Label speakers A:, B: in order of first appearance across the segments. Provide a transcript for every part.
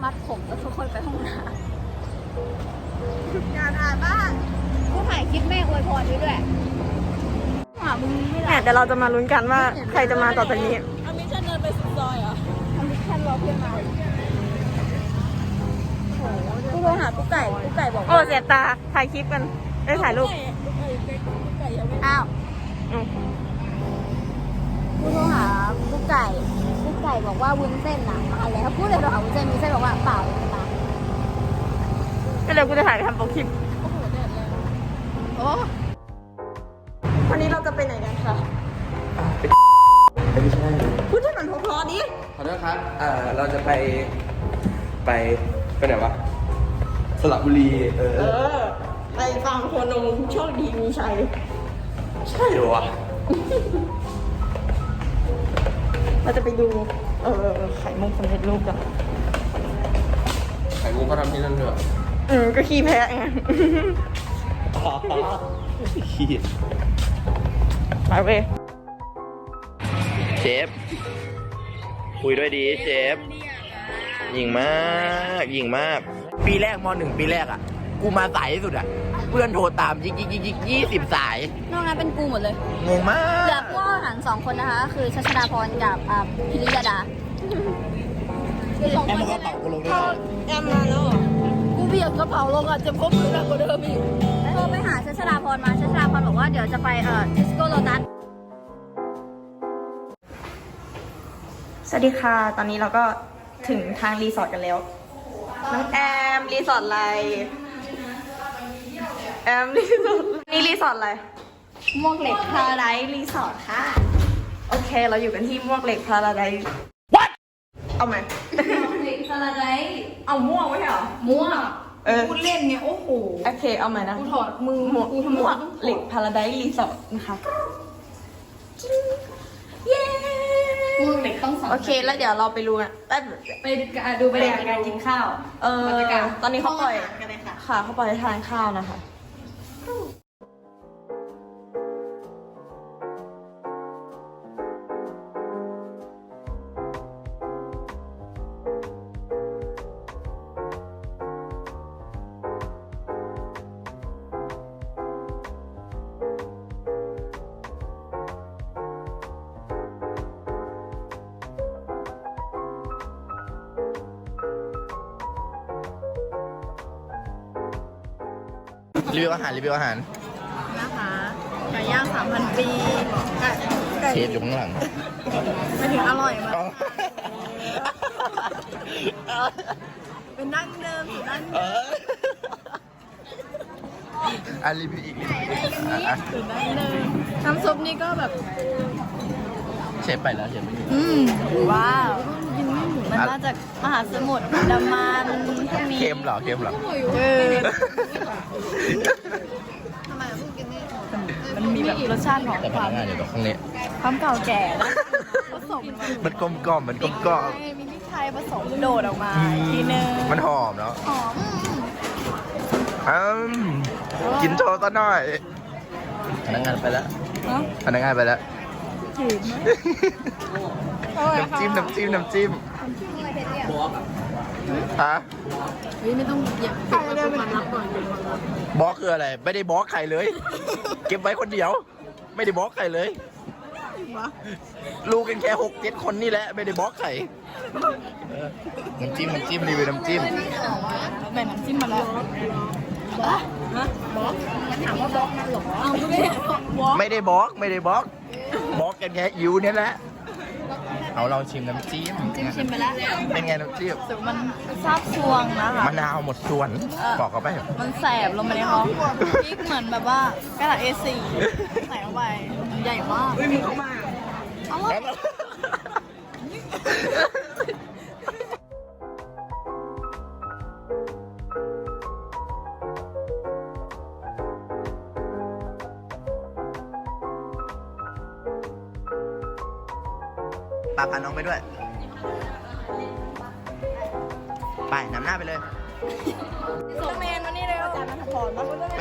A: มัดผมแล้วทุกคนไปห้องน้ำ
B: งานอ่านบ้าง
A: ผู้ถ่ายคลิปแม่อวยพรด้วยหามึงไม่ได้
B: เนี่ยเดี๋ยวเราจะมาลุ้นกันว่าใครจะมาต่อจากนี้
C: อามิชันเดินไปสุดซอยเหรอ
A: ทำมิชชั่นรอเพื่อนมากูโทรหากุ๊กไก่บอก
B: โอ้เสียตาถ่ายคลิปกันได้ถ่ายรูป
C: ไก่ยังไม่
A: อ้าวกูโทรหากุ๊กไก่บอกว่าวุ้นเส้นน่ะมาแล้วพูดเลยโทรหาวุ้นเส้นบอกว่าเปล่าเลยมา
B: ก็เลยกูจะถ่ายไปทำโปรคลิป
C: โอ้โหแดดแรง
A: โอ้
B: วันนี้เราจะไปไหนกันคะ
D: ไม่ใช่
B: พูดให้มันเพราะๆดิ
D: ขอโทษครับเราจะไปไหนวะสระบุรี
B: ไปฟังโคนมโชคดีมีชัย
D: ใช่เหรอวะ
B: เราจะไปดูไข่มุกสำเร็จรูปกัน
D: ไข่มุกเขาทำที่นั่นด้วย
B: ก็ขี้แพ้ไง
D: ขี้
B: ไปเว้ย
D: เชฟคุยด้วยดีเชฟยิงมากปีแรกม.1 ปีแรกอ่ะกูมาสายที่สุดอ่ะเพื่อนโทรตามยิก20 สาย
A: นอกนั้นเป็นกูหมดเลย
D: งงมา
A: เหลือก ผู้อาหาร2 คนนะคะ คือชัชดาพรกับพิริยดา
D: แอมก็เป่ากูลงด้วย
B: แอมมาแล้วเหรอ
C: กูเบียดกระเป๋าลงอ่ะจะพบมือหนักกว่าเดิมอีก
A: โทรไปหาชัชดาพรมาชัชดาพรบอกว่าเดี๋ยวจะไปทิสโก้โลตัส
B: สวัสดีค่ะ ตอนนี้เราก็ถึงทางรีสอร์ทกันแล้ว น้องแอมรีสอร์ทอะไร แอมรีสอร์ทนี่รีสอร์ทอะไร
A: ม่วงเหล็กพาราไดซ์รีสอร์ทค่ะ
B: โอเค เราอยู่กันที่ม่วงเหล็กพาราไดซ์เอาไหม
A: ม่วงเหล็กพาราไดซ์
B: เอาม่วงไว้เหรอ
A: ม่วง
C: พูดเล่นเนี่ยโอ้โห
B: โอเค เอาใหม่นะ
C: กูถอดมือ
B: ม่วง
C: กูทำไม
B: ม่วง
C: ต้อง
B: เหล็กพาราไดซ์รีสอร์ทนะคะ
A: เย้ม่วงเหล็กต้องสอง
B: โอเค แล้วเดี๋ยวเราไปดูกันแป๊บ
C: ไปดูบรรยากาศการกินข้าว บรรยากาศ
B: ตอนนี้เขาปล่อย
C: ห้งอาหารกันเลยค่ะ
B: ค่ะเขาปล่อยให้ทานข้าวนะคะ
D: รีวิวอาหาร
C: นะคะไก่ย่าง 3,000 ปีไก่
D: เชฟอยู่ข้างหลัง
C: ไม่ถึงอร่อยมากเป็นดั้งเดิมสูตรดั้งเดิม
D: รีวิวอีก
C: สูตรดั้งเดิมน้ำซุปนี่ก็แบบ
D: เชฟไปแล้วเชฟไม่อยู่
C: ว้าวมันมาจากมหาสมุทรอันดามันพวกนี้
D: เค็มเหรอ
C: เออมันมีแบบรสชาติของ
D: แต่พ
C: ควา
D: นั
C: ม
D: กงานอยู่ตรงข้างนี้
C: ความเก่าแก่นะผสม
D: มันกลมกล่อมมันกลมกล่อม
C: มีพริกไทยผสมโดดออกมาอีกทีนึง
D: มันหอมเนาะ
C: หอม
D: กินโชว์ซะหน่อยพนักงานไปแล้ว
C: เนาะ
D: พนักงานไปแล้ว
C: จืดไหม
D: น้ำจิ้มฮะ
C: เฮ้ยไม่ต้องเหยียบใครเดินมารับก่อน
D: บล็อกคืออะไร ไม่ได้บล็อกใครเลย เก็บไว้คนเดียว ไม่ได้บล็อกใครเลยรู้กันแค่6-7 คนนี่แหละ ไม่ได้บล็อกใครน้ำจิ้มรีวิวน้ำจิ้ม
C: แบ่งน้ำจิ้มมาแล้วบล็อกถามว่าบล็อกมันหรอเอาไม่ได้บล็อก
D: ไม่ได้บล็อกบล็อกกันแค่อิวเนี่ยแหละเอาลองชิมน้ำจิ้ม
C: ชิมไปแล้ว
D: เป็นไงน้ำจิ้ม
C: แต่มันซาบซวงนะคะ
D: มะนาวหมดส่วน บอกเขาไป
C: มันแสบลงไปในท้องพริกเหมือนแบบว่ากระดาษ A4 ใส่เข้าไปใหญ่มากไม่มีเข้ามาเอาละ
D: ปาพาน้องไปด้วย ไปนำหน้าไปเลย
C: ส่งเมนมานี่เลยอาจารย์มาถอนมา
D: ไป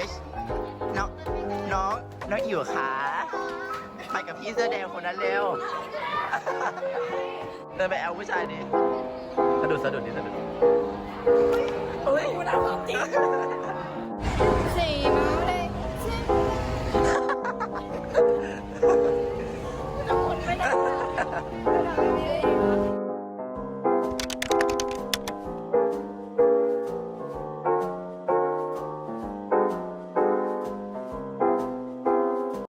D: น้องอิ๋วขาไปกับพี่เสื้อแดงคนนั้นเร็วเดินไปแอลผู้ชายดิสะดุดดิสะดุดเฮ้ยกูน่าจริง
C: สีมา